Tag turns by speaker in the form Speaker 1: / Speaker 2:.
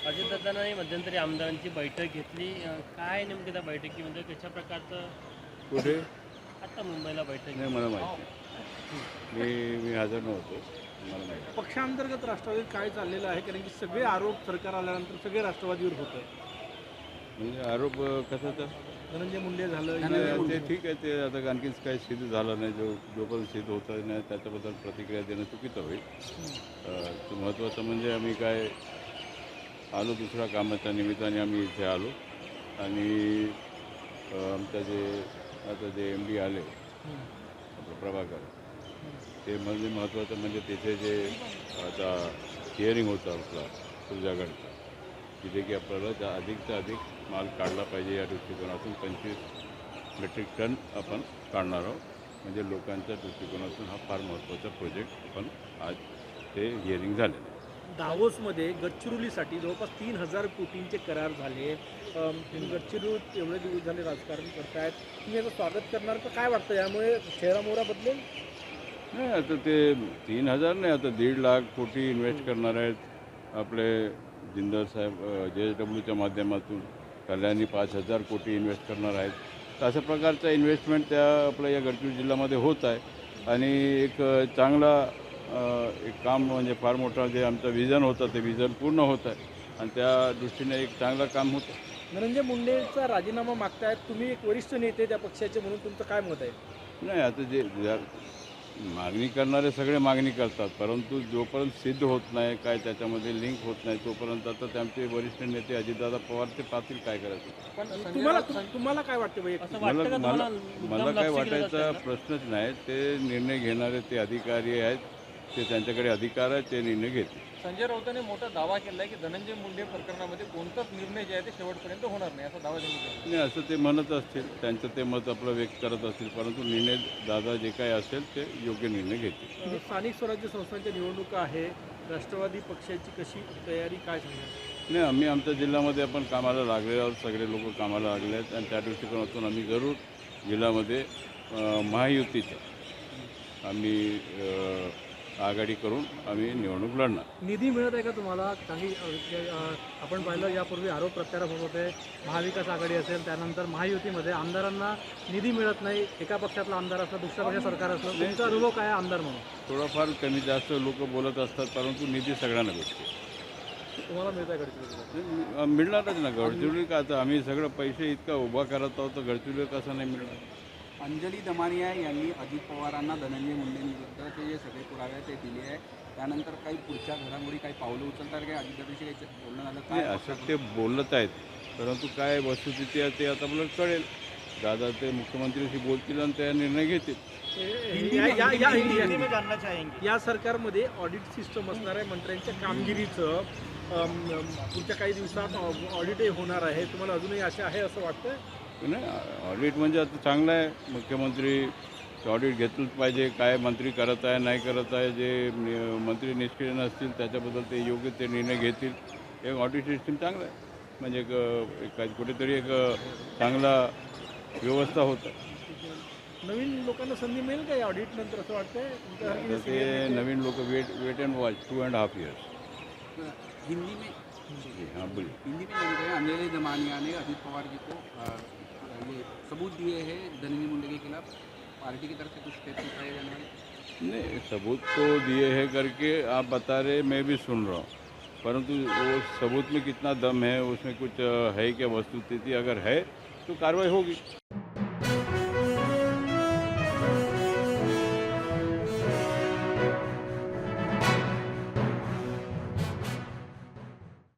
Speaker 1: अजितदादांनी मध्यंतरी आमदारांची बैठक घेतली. काय नेमकं त्या बैठकीमध्ये कशा प्रकारचं
Speaker 2: कुठे?
Speaker 1: आता मुंबईला बैठक
Speaker 2: नाही, मला माहिती नाही. मी हजर नव्हतो. मला माहिती.
Speaker 3: पक्षांतर्गत राष्ट्रवादीत काय चाललेलं आहे? कारण की सगळे आरोप सरकार आल्यानंतर सगळे राष्ट्रवादीवर होत आहे.
Speaker 2: म्हणजे आरोप कशाचा?
Speaker 3: धनंजय मुंडे झालं,
Speaker 2: ते ठीक आहे. ते आता आणखीन काही सिद्ध झालं नाही. जोपर्यंत सिद्ध होतं नाही त्याच्याबद्दल प्रतिक्रिया देणं चुकीचं होईल. महत्त्वाचं म्हणजे आम्ही काय आलो दुसऱ्या कामाच्या निमित्ताने आम्ही इथे आलो आणि आमच्या जे MD आले आपलं प्रभाकर, ते म्हणजे महत्त्वाचं म्हणजे तिथे जे आता हिअरिंग होतं आपला तुझ्याकडचा, तिथे की आपल्याला अधिकचा अधिक माल काढला पाहिजे या दृष्टिकोनातून 25 मेट्रिक टन आपण काढणार आहोत. म्हणजे लोकांच्या दृष्टिकोनातून हा फार महत्त्वाचा प्रोजेक्ट आपण आज ते हिअरिंग झालेलं आहे.
Speaker 3: दावोसमध्ये गडचिरोलीसाठी जवळपास 3,000 कोटींचे करार झाले. तुम्ही गडचिरोलीत एवढे दिवस झाले राजकारण करतायत, तुम्ही याचं स्वागत करणार का? काय वाटतं यामुळे चेहरामोहरा बदलेल?
Speaker 2: नाही, आता ते 3,000 नाही, आता 1.5 लाख कोटी इन्व्हेस्ट करणार आहेत आपले जिंदल साहेब JSWच्या माध्यमातून. कल्याणी 5,000 कोटी इन्व्हेस्ट करणार आहेत. तर अशा प्रकारचा इन्व्हेस्टमेंट त्या आपल्या या गडचिरोली जिल्ह्यामध्ये होत आहे आणि एक चांगला एक काम म्हणजे फार मोठा जे आमचं विजन होतं ते विजन पूर्ण होत आहे आणि त्या दृष्टीने एक चांगलं काम होतं.
Speaker 3: धनंजय मुंडेचा राजीनामा मागतायत, तुम्ही एक वरिष्ठ नेते त्या पक्षाचे म्हणून तुमचं काय मत आहे?
Speaker 2: नाही, आता जे मागणी करणारे सगळे मागणी करतात, परंतु जोपर्यंत सिद्ध होत नाही, काय त्याच्यामध्ये लिंक होत नाही, तोपर्यंत आता त्यांचे वरिष्ठ नेते अजितदादा पवार ते पाहतील काय करायचं.
Speaker 3: पण तुम्हाला काय वाटतं वैयक्तिक?
Speaker 2: मला काय वाटायचा प्रश्नच नाही. ते निर्णय घेणारे ते अधिकारी आहेत, ते त्यांच्याकडे अधिकार आहे, ते निर्णय घेतील.
Speaker 4: संजय राऊतांनी मोठा दावा केला आहे की धनंजय मुंडे प्रकरणामध्ये कोणताच निर्णय जे आहे ते शेवटपर्यंत होणार नाही, असा दावा त्यांनी केला.
Speaker 2: नाही, असं ते म्हणत असतील, त्यांचं ते मत आपलं व्यक्त करत असतील, परंतु निर्णय दादा जे काय असेल ते योग्य निर्णय घेतील.
Speaker 3: स्थानिक स्वराज्य संस्थांच्या निवडणुका आहे, राष्ट्रवादी पक्षाची कशी तयारी, काय सांगणार?
Speaker 2: नाही, आम्ही आमच्या जिल्ह्यामध्ये आपण कामाला लागलेलो आहोत. सगळे लोक कामाला लागले आहेत आणि त्या दृष्टिकोनातून आम्ही जरूर जिल्ह्यामध्ये महायुतीचं आम्ही आघाडी करून आम्ही निवडणूक लढणार.
Speaker 3: निधी मिळत आहे का तुम्हाला? काही आपण पाहिलं यापूर्वी आरोप प्रत्यारोप होत होते, महाविकास आघाडी असेल त्यानंतर महायुतीमध्ये आमदारांना निधी मिळत नाही. एका पक्षातला आमदार असला, दुसऱ्या पक्षात सरकार असलं. तुमचा अनुभव काय आहे आमदार म्हणून?
Speaker 2: थोडंफार कमी जास्त लोक बोलत असतात, परंतु निधी सगळ्यांना भेटते.
Speaker 3: तुम्हाला मिळत आहे गडचिरोलीला?
Speaker 2: मिळणारच ना. गडचिरोली का आता आम्ही सगळं पैसे इतका उभा करत आहोत, तर गडचिरोली कसं नाही मिळणार?
Speaker 5: अंजली दमानिया यांनी अजित पवारांना धनंजय मुंडेंविरुद्धचे जे सगळे पुरावे आहेत ते दिले आहे. त्यानंतर काही पुढच्या घडामोडी काही पावलं उचलतात, काही अजितदादांशी काही बोलणं झालं
Speaker 2: नाही,
Speaker 5: काय?
Speaker 2: असं ते बोलत आहेत, परंतु काय वस्तुस्थिती आहे ते आता मला कळेल. दादा ते मुख्यमंत्र्यांशी बोलतील आणि त्या निर्णय घेतील.
Speaker 3: या सरकारमध्ये ऑडिट सिस्टम असणार आहे. मंत्र्यांच्या कामगिरीचं पुढच्या काही दिवसात ऑडिटही होणार आहे. तुम्हाला अजूनही आशा आहे असं वाटतं?
Speaker 2: नाही, ऑडिट म्हणजे आता चांगलं आहे. मुख्यमंत्री ऑडिट घेतलंच पाहिजे. काय मंत्री करत आहे नाही करत आहे, जे मंत्री निष्क्रिय नसतील त्याच्याबद्दल ते योग्य ते निर्णय घेतील. एक ऑडिट सिस्टीम चांगलं आहे, म्हणजे एक कुठेतरी एक चांगला व्यवस्था होत आहे.
Speaker 3: नवीन लोकांना संधी मिळेल का या ऑडिट नंतर असं वाटतंय?
Speaker 2: तर ते नवीन लोक wait and watch 2.5 years.
Speaker 5: Hindi में
Speaker 2: हाँ बोलिए.
Speaker 5: हिंदी में जाने गए अंजलि दमानिया ने अजित पवार जी को ये सबूत दिए हैं धनंजय मुंडे के खिलाफ। पार्टी की तरफ से कुछ स्टेप्स उठाए जाने वाले?
Speaker 2: नहीं, सबूत तो दिए हैं करके आप बता रहे, मैं भी सुन रहा हूँ, परंतु वो सबूत में कितना दम है, उसमें कुछ है क्या वस्तुस्थिति, अगर है तो कार्रवाई होगी.